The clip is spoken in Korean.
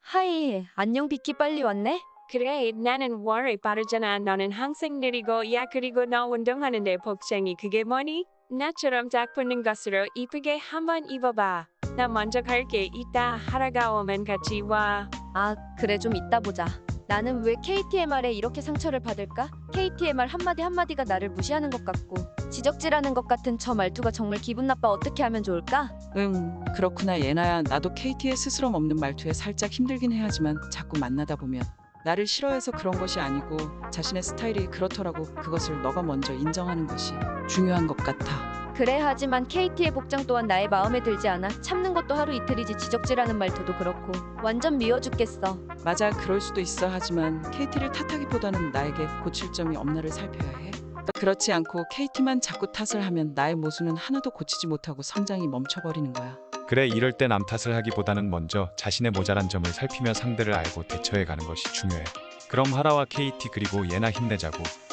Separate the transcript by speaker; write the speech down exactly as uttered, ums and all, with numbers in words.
Speaker 1: 하이, 안녕 비키 빨리 왔네?
Speaker 2: 그래, 나는 월이 빠르잖아. 너는 항상 느리고, 야, 그리고 너 운동하는데 복장이 그게 뭐니? 나처럼 딱 붙는 것으로 이쁘게 한번 입어봐. 나 먼저 갈게. 이따 하러가 오면 같이 와.
Speaker 1: 아, 그래 좀 이따 보자. 나는 왜 케이티엠알에 이렇게 상처를 받을까? 케이티엠알 한마디 한마디가 나를 무시하는 것 같고 지적질하는 것 같은 저 말투가 정말 기분 나빠. 어떻게 하면 좋을까?
Speaker 3: 응, 그렇구나 예나야. 나도 케이티의 스스럼 없는 말투에 살짝 힘들긴 해야지만 자꾸 만나다 보면 나를 싫어해서 그런 것이 아니고 자신의 스타일이 그렇더라고. 그것을 너가 먼저 인정하는 것이 중요한 것 같아.
Speaker 1: 그래 하지만 케이티의 복장 또한 나의 마음에 들지 않아. 참는 것도 하루 이틀이지 지적질하는 말투도 그렇고 완전 미워 죽겠어.
Speaker 3: 맞아, 그럴 수도 있어. 하지만 케이티를 탓하기보다는 나에게 고칠 점이 없나를 살펴야 해. 그렇지 않고 케이티만 자꾸 탓을 하면 나의 모습은 하나도 고치지 못하고 성장이 멈춰버리는 거야.
Speaker 4: 그래, 이럴 때 남 탓을 하기보다는 먼저 자신의 모자란 점을 살피며 상대를 알고 대처해 가는 것이 중요해. 그럼 하라와 케이티 그리고 예나 힘내자고.